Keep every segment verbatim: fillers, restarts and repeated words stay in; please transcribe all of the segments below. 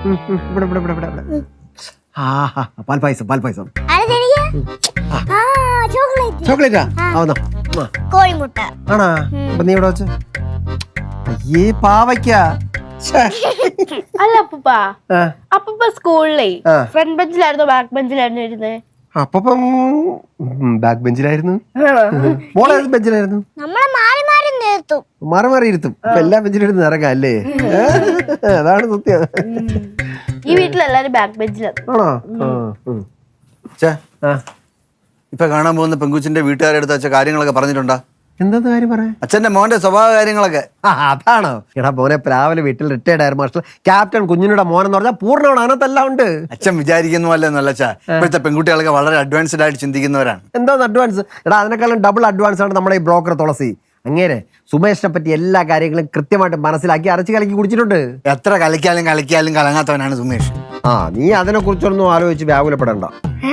ഇവിടെ ഇവിടെ ഇവിടെ ഇവിടെ ആ പാൽപ്പായസം പാൽപ്പായസം ചോക്ലേറ്റാ ആവുന്ന കോഴിമുട്ട ആണാ അപ്പൊ നീ ഇവിടെ വെച്ച് അയ്യേ പാവയ്ക്ക അല്ല അപ്പൂപ്പ അപ്പൂപ്പ സ്കൂളിലേ ഫ്രണ്ട് ബെഞ്ചിലായിരുന്നോ ബാക്ക് ബെഞ്ചിലായിരുന്നു ഇരുന്നേ? അപ്പം ബാക്ക് ബെഞ്ചിലായിരുന്നു. മോളേത് ബെഞ്ചിലായിരുന്നു? നമ്മളെ മാറി മാറി നിർത്തും മാറി മാറി ഇരുത്തും. അപ്പൊ എല്ലാ ബെഞ്ചിലിരുന്ന് ഇറങ്ങാം അല്ലേ? അതാണ് സത്യം. ഈ വീട്ടിലെല്ലാരും ബാക്ക് ബെഞ്ചിലാണ്. ആണോ? ഇപ്പൊ കാണാൻ പോകുന്ന പെങ്കുച്ചിന്റെ വീട്ടുകാരെടുത്ത് വെച്ച കാര്യങ്ങളൊക്കെ പറഞ്ഞിട്ടുണ്ടാ? എന്താ കാര്യം പറയാ? അച്ഛന്റെ മോന്റെ സ്വഭാവ കാര്യങ്ങളൊക്കെ. അതാണോ? എടാ മോനെ രാവിലെ വീട്ടിൽ റിട്ടയർഡ് ആയ മാസ്റ്റർ ക്യാപ്റ്റൻ കുഞ്ഞിനുടെ മോൻ എന്ന് പറഞ്ഞാൽ പൂർണ്ണമാണ്. അതിനകത്തെല്ലാം ഉണ്ട്. അച്ഛൻ വിചാരിക്കുന്നു അല്ലെന്നല്ല അച്ഛാ. ഇപ്പോഴത്തെ പെൺകുട്ടികളൊക്കെ വളരെ അഡ്വാൻസ്ഡ് ആയിട്ട് ചിന്തിക്കുന്നവരാണ്. എന്താ അഡ്വാൻസ്? എടാ അതിനേക്കാളും ഡബിൾ അഡ്വാൻസ് ആണ് നമ്മുടെ ഈ ബ്രോക്കർ തുളസി. അങ്ങേരെ സുമേഷിനെ പറ്റി എല്ലാ കാര്യങ്ങളും കൃത്യമായിട്ട് മനസ്സിലാക്കി അരച്ച് കലക്കി കുടിച്ചിട്ടുണ്ട്. എത്ര കളിക്കാലും കളിക്കാലും കലങ്ങാത്തവനാണ് സുമേഷ്. ആ നീ അതിനെ കുറിച്ചൊന്നും ആലോചിച്ച് വ്യാകുലപ്പെടണ്ട.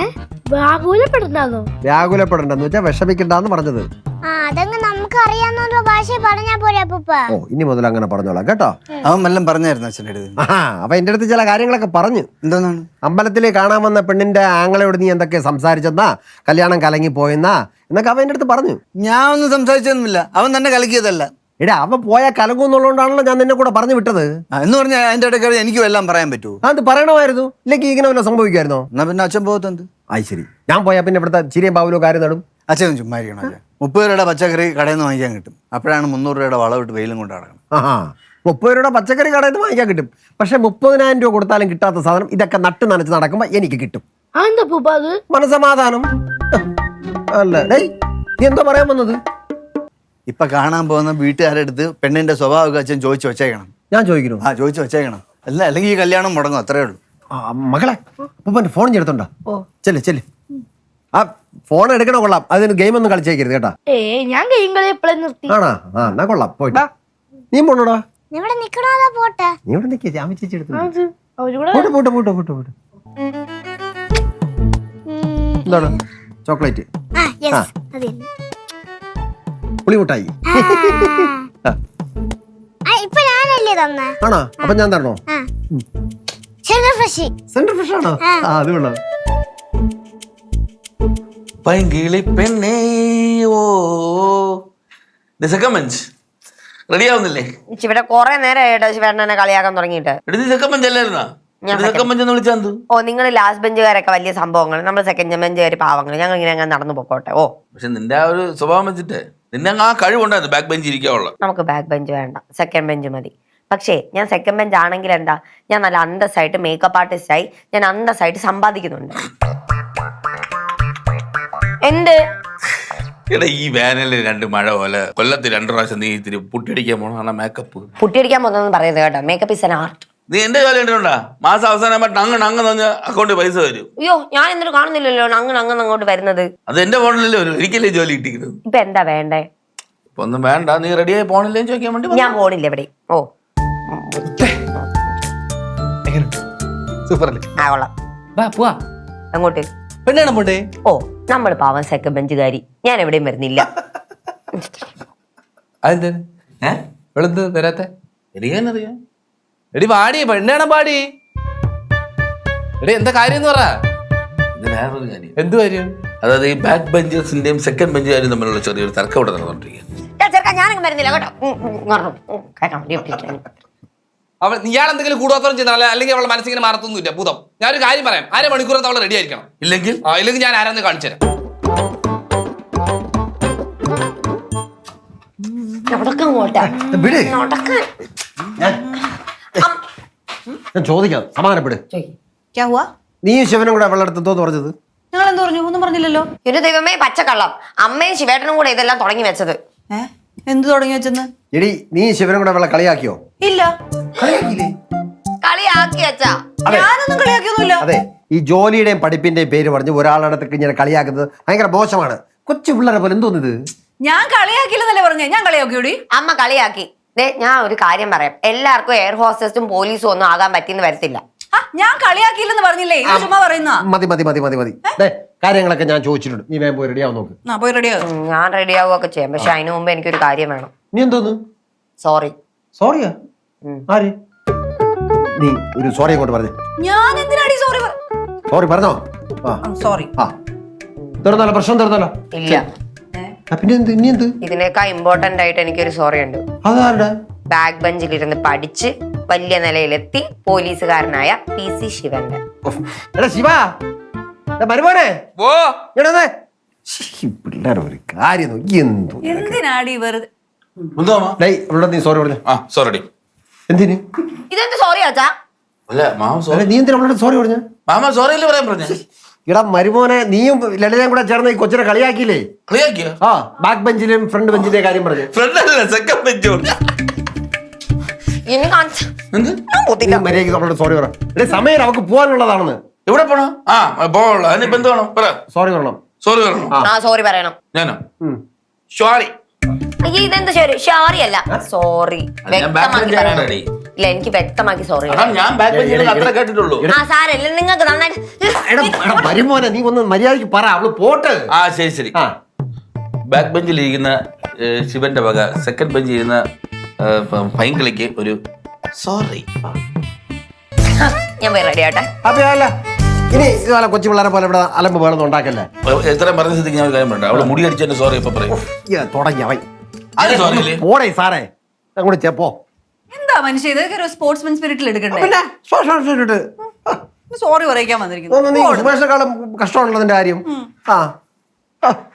വ്യാകുലപ്പെടണ്ടെന്ന് വെച്ചാൽ വിഷമിക്കണ്ടെന്ന് പറഞ്ഞത്. നമുക്ക് അറിയാവുന്ന ഭാഷ പറഞ്ഞാ പോരെ അപ്പൂപ്പ. ഓ ഇനി മുതൽ അങ്ങനെ പറഞ്ഞോളാം കേട്ടോ. അവൻ വല്ലതും പറഞ്ഞായിരുന്നു അച്ഛൻ്റെ അടുത്ത്? ആ അപ്പൊ എന്റെ അടുത്ത് ചില കാര്യങ്ങളൊക്കെ പറഞ്ഞു. എന്താണ്? അമ്പലത്തിൽ കാണാൻ വന്ന പെണ്ണിന്റെ ആങ്ങളയോട് നീ എന്തൊക്കെ സംസാരിച്ചെന്നാ, കല്യാണം കലങ്ങി പോയെന്നാ എന്നൊക്കെ അവൻ എന്റെ അടുത്ത് പറഞ്ഞു. ഞാൻ ഒന്നും സംസാരിച്ചൊന്നുമില്ല. അവൻ തന്നെ കലക്കിയതല്ല. എടാ അവൻ പോയാൽ കലങ്ങുന്നുള്ളതുകൊണ്ടാണല്ലോ ഞാൻ നിന്നെ കൂടെ പറഞ്ഞു വിട്ടത്. എന്ന് പറഞ്ഞാൽ അതിന്റെ ഇടയ്ക്ക് എനിക്കും എല്ലാം പറയാൻ പറ്റുമോ? അത് പറയണമായിരുന്നു. ഇല്ലെങ്കിൽ ഇങ്ങനെ വല്ല സംഭവിക്കുമായിരുന്നോ? എന്നാ പിന്നെ അച്ഛൻ പോകത്തെന്ത്? ആയി ശരി. ഞാൻ പോയാൽ പിന്നെ ഇവിടുത്തെ ചിരിയും പാവലോ കാര്യം നടും. അച്ഛൻ ചുമ്മാ ഇരിക്കണം. അച്ഛൻ മുപ്പത് രൂപയുടെ പച്ചക്കറി കടയിൽ നിന്ന് വാങ്ങിക്കാൻ കിട്ടും. അപ്പോഴാണ് മുന്നൂറ് രൂപയുടെ വളവിട്ട് വെയിലും കൊണ്ട് നടക്കണം. ആ മുപ്പത് രൂപയുടെ പച്ചക്കറി കടയിൽ നിന്ന് വാങ്ങിക്കാൻ കിട്ടും. പക്ഷെ മുപ്പതിനായിരം രൂപ കൊടുത്താലും കിട്ടാത്ത സാധനം ഇതൊക്കെ നട്ട് നനച്ച് നടക്കുമ്പോ എനിക്ക് കിട്ടും. മനസമാധാനം അല്ല. ഡേയ് നീ എന്തോ പറയാൻ വന്നത്? ഇപ്പൊ കാണാൻ പോകുന്ന വീട്ടുകാരുടെ അടുത്ത് പെണ്ണിന്റെ സ്വഭാവമൊക്കെ അച്ഛൻ ചോദിച്ചു വെച്ചേക്കണം. ഞാൻ ചോദിക്കണോ? ആ ചോദിച്ചു വെച്ചേക്കണം. അല്ല അല്ലെങ്കിൽ ഈ കല്യാണം മുടങ്ങും. അത്രേ ഉള്ളൂ. മകളെ അപ്പൊ ഫോൺ ചെയ്തെടുത്തോണ്ടാ. ചെല്ല് ചെല്ല്. ആ ഫോൺ എടുക്കണ കൊള്ളാം. അതിന് ഗെയിം ഒന്നും കളിച്ചേക്കരുത് കേട്ടാ. ഞാൻ ഗെയിം കളി എപ്പോഴും നിർത്തി. ആണാ? ആ എന്നാ കൊള്ളാം. പോയിട്ട് നീ പോണോടാ. ഇവിടെ നിക്കണോ പോട്ടെ? നീ ഇവിടെ നിൽക്കുക. ജാമി ചേച്ചി എടുത്തു. പോട്ടെ പോട്ടെ പോട്ടെ പോട്ടെ പോട്ടെ. എന്താണ്? ചോക്ലേറ്റ് പുളിമുട്ടായി. ആണോ? അപ്പൊ ഞാൻ തരണോ? സെന്റർ ഫ്രഷ് ആണോ? ആ അത് കൊള്ളാം. പൈങ്കിളി പെണ്ണേ ഓ റെഡി ആവുന്നില്ലേ? ഇവിടെ കൊറേ നേരമായിട്ട് ശിവേട്ടനെ കളിയാക്കാൻ തുടങ്ങിയിട്ട്. ഓ നിങ്ങൾ ലാസ്റ്റ് ബെഞ്ചുകാരൊക്കെ വലിയ സംഭവങ്ങൾ, നമ്മൾ സെക്കൻഡ് ബെഞ്ചുകാർ പാവങ്ങൾ. ഞങ്ങൾ ഇങ്ങനെ അങ്ങനെ നടന്നു പോക്കോട്ടെ. ഓ പക്ഷെ നിന്റെ ആ ഒരു സ്വഭാവം വെച്ചിട്ട് നിന്നെ ആ കഴിവുണ്ടായിരുന്നു ബാക്ക് ബെഞ്ച് ഇരിക്കാനുള്ള. നമുക്ക് ബാക്ക് ബെഞ്ച് വേണ്ട, സെക്കൻഡ് ബെഞ്ച് മതി. പക്ഷേ ഞാൻ സെക്കൻഡ് ബെഞ്ച് ആണെങ്കിൽ എന്താ, ഞാൻ നല്ല അന്തസ്സായിട്ട് മേക്കപ്പ് ആർട്ടിസ്റ്റായി ഞാൻ അന്തസ്സായിട്ട് സമ്പാദിക്കുന്നുണ്ട്. എന്ത് ഈ വേനലിൽ രണ്ട് മഴ പോലെ കൊല്ലത്ത് രണ്ടു പ്രാവശ്യം നീ ഇത്തിരി പുട്ടിയടിക്കാൻ പോണ മേക്കപ്പ്. പുട്ടിയടിക്കാൻ പോകുന്നതെന്ന് പറയുന്നത് കേട്ടോ. Makeup is an art. നീ എന്റെ ജോലി കണ്ടിട്ടുണ്ടാ? മാസം അവസാനം അങ്ങ് അങ്ങ് തന്നെ അക്കൗണ്ടിൽ പൈസ വരും. അയ്യോ ഞാൻ എന്നിട്ട് കാണുന്നില്ലല്ലോ അങ്ങനെ അങ്ങനെ അങ്ങോട്ട് വരുന്നത്. അത് എന്റെ ഫോണിലല്ലേ വരും. ഒരിക്കലേ ജോലി കിട്ടിക്കുന്നത്. ഇപ്പൊ എന്താ വേണ്ടേ? ഇപ്പൊ ഒന്നും വേണ്ട. നീ റെഡിയായി പോണില്ലേ ചോദിക്കാൻ വേണ്ടി. ഞാൻ പോണില്ല എവിടെ. ഓ സൂപ്പർ ആ കൊള്ളാം. അങ്ങോട്ട് പെണ്ണാണ് പോണ്ടേ? ഓ നമ്മൾ പാവം സെക്കൻഡ് ബെഞ്ചുകാരി. ഞാൻ എവിടെയും വരുന്നില്ല. അതെന്ത് വരാത്തെ? എനിക്കറിയാം. എടി പാടി പെണ്ണാണ് പാടി. എടി എന്താ കാര്യം പറ. വേറൊരു കാര്യം. എന്ത് കാര്യം? അതായത് ഈ ബാക്ക് ബെഞ്ചേഴ്സിന്റെയും സെക്കൻഡ് ബെഞ്ചുകാരും തമ്മിലുള്ള ചെറിയൊരു തർക്കം ഇവിടെ നടന്നുകൊണ്ടിരിക്കുക. ഞാനങ്ങ് വരുന്നില്ല കേട്ടോ. അവൾ ഇയാൾ എന്തെങ്കിലും കൂടുതൽ ചെയ്താൽ അല്ലെങ്കിൽ അവളെ മനസ്സിങ്ങനെ മാറത്തൊന്നുമില്ല ഭൂതം. ഞാനൊരു കാര്യം പറയാം. അര മണിക്കൂറത്ത് അവൾ റെഡി ആയിരിക്കണം. ഇല്ലെങ്കിൽ ഇല്ലെങ്കിൽ ഞാൻ ആരാന്ന് കാണിച്ചു തരാം. ഞാൻ ചോദിക്കാം. സമാധാനപ്പെട്. നീ ശിവനും കൂടെ അവളുടെ അടുത്ത് എന്തോന്ന് പറഞ്ഞത്? ഞങ്ങൾ എന്ത് പറഞ്ഞു? ഒന്നും പറഞ്ഞില്ലല്ലോ. ഒരു ദൈവമേ പച്ചക്കള്ളം. അമ്മയും ശിവേട്ടനും കൂടെ ഇതെല്ലാം തുടങ്ങി വെച്ചത്. എന്ത് തുടങ്ങി വെച്ചെന്ന്? എടി നീ ശിവനും കൂടെ അവളെ കളിയാക്കിയോ? ഇല്ല. കളിയാക്കി വെച്ചാ? ഞാനൊന്നും കളിയാക്കിയൊന്നുമില്ല. അതെ, ഈ ജോലിയുടെയും പഠിപ്പിന്റെയും പേര് പറഞ്ഞ് ഒരാളടുത്തേക്ക് ഇങ്ങനെ കളിയാക്കുന്നത് ഭയങ്കര മോശമാണ്. കൊച്ചു പിള്ളേരെ പോലെ എന്തോന്നിത്? ഞാൻ കളിയാക്കില്ലെന്നല്ലേ പറഞ്ഞേ? ഞാൻ കളിയാക്കിയോടി? അമ്മ കളിയാക്കി. ഞാൻ ഒരു കാര്യം പറയാം. എല്ലാവർക്കും എയർ ഹോസ്റ്റസും പോലീസും ഒന്നും ആകാൻ പറ്റിയെന്ന് വരത്തില്ല. ഞാൻ കളിയാക്കിയില്ലെന്ന് പറഞ്ഞില്ലേ? ചുമ്മാ പറയുന്ന മതി മതി മതി മതി മതി. കാര്യങ്ങളൊക്കെ ഞാൻ ചോദിച്ചിട്ടുണ്ട്. നീ വേഗം പോയി റെഡിയാവും നോക്ക്. പോയി റെഡിയാവും. ഞാൻ റെഡി ആവുകയൊക്കെ ചെയ്യാം. പക്ഷെ അതിനു മുമ്പ് എനിക്കൊരു കാര്യം വേണം. നീ എന്തോന്ന്? സോറി. സോറിയാ? ആര്? നീ ഒരു സോറി അങ്ങോട്ട് പറഞ്ഞു. ഞാൻ എന്തിനാടി സോറി സോറി പറഞ്ഞോ? ആ സോറി ആ തീർന്നല്ലോ, പ്രശ്നം തീർന്നല്ലോ. ഇല്ല, ആ, പിന്നെ എന്ത് ഇനി എന്ത്? ഇതിനേക്കാൾ ഇമ്പോർട്ടന്റ് ആയിട്ട് എനിക്കൊരു സോറി ഉണ്ട്. അതാരുടെ? ബാക്ക് ബെഞ്ചിലിരുന്ന് പഠിച്ച് വലിയ നിലയിലെത്തി പോലീസുകാരനായ പി സി ശിവന്റെ. എടാ ശിവ, മരുമോനെ ഓ പിള്ളേർ ഒരു കാര്യം നോക്കി എന്തു എന്തിനാടി വെറുതെ എന്തോ മാമ? ഡേയ് അവളോട് നീ സോറി പറഞ്ഞു. ആ സോറി എന്തിന്? ഇതെന്ത് സോറി ആച്ചാ? അല്ല മാമ അല്ല, സോറി. നീ എന്തിനാ അവളോട് സോറി പറഞ്ഞു? മാമ സോറി അല്ലേ പറയാൻ പറഞ്ഞ? ഇടാ മരുമോനെ, നീയും ലളിതയും കൂടെ ചേർന്ന് ഈ കൊച്ചിനെ കളിയാക്കിയില്ലേ? കളിയാക്കിയോ? ആ ബാക്ക് ബെഞ്ചിലും ഫ്രണ്ട് ബെഞ്ചിന്റെ കാര്യം പറഞ്ഞു. ഫ്രണ്ട് അല്ല സെക്കൻഡ് ബെഞ്ചോ. ഇനി കാണിച്ച എന്ത്? നീ മര്യാദയ്ക്ക് അവളോട് സോറി പറ. എടേ സമയം അവൾക്ക് പോകാനുള്ളതാണെന്ന്. എവിടെ പോണോ? ആ പോളോ. അതിനിപ്പോ എന്ത് വേണം പറ. സോറി പറയണം. സോറി പറയണോ? ആ സോറി പറയണം. ഞാനോ? ഉം. സോറി. അയ്യോ ഇതെന്ത് ശരി ഷോറി അല്ല സോറി. അത് ഞാൻ back bench വ്യക്തമാക്കി ആണ് പറയണം. ready. ഇല്ല എനിക്ക് വ്യക്തമാക്കി സോറി. അതാണ് ഞാൻ ബാക്ക് ബെഞ്ചിൽ അത്ര കേട്ടിട്ടുള്ളൂ. ആ സാരല്ല, നിങ്ങൾക്ക് നന്നായിട്ട് എടാ എടാ മരുമോനെ, നീ ഒന്ന് മര്യാദയ്ക്ക് പറ, അവള് പോട്ട്. ആ ശരി ശരി. ആ ബാക്ക് ബെഞ്ചിൽ ഇരിക്കുന്ന ഏഹ്, ശിവന്റെ വക സെക്കൻഡ് ബെഞ്ചിൽ ഇരുന്ന പൈങ്കിളിക്ക് ഒരു സോറി. ഞാൻ പോയി റെഡി ആട്ടെ. അപ്പൊ അല്ല ഇനി ഇതുപോലെ കൊച്ചു പിള്ളേരെ പോലെ ഇവിടെ അലമ്പ് വേണമെന്ന് ഉണ്ടാക്കല്ലേ. എത്രയും പറഞ്ഞ സ്ഥിതിക്ക് ഞാൻ ഒരു കാര്യം പറയട്ടെ. അവള് മുടി അടിച്ചതിന്റെ സോറി ഇപ്പൊ പറയും. തുടങ്ങി അവൻ. അത് സോറി അല്ലേ? പോടേ സാറേ, അങ്ങോട്ട് ചെപ്പോ. എന്താ മനുഷ്യ ഇതൊക്കെ ഒരു സ്പോർട്സ്മാൻ സ്പിരിറ്റിൽ എടുക്കണ്ടേ? പിന്നെ സ്പഷ്ടമായിട്ട് സോറി പറയിക്കാൻ വന്നിരിക്കുന്നു. സുമേഷിനെക്കാളും കഷ്ടമുള്ളതിന്റെ കാര്യം. ആ ആ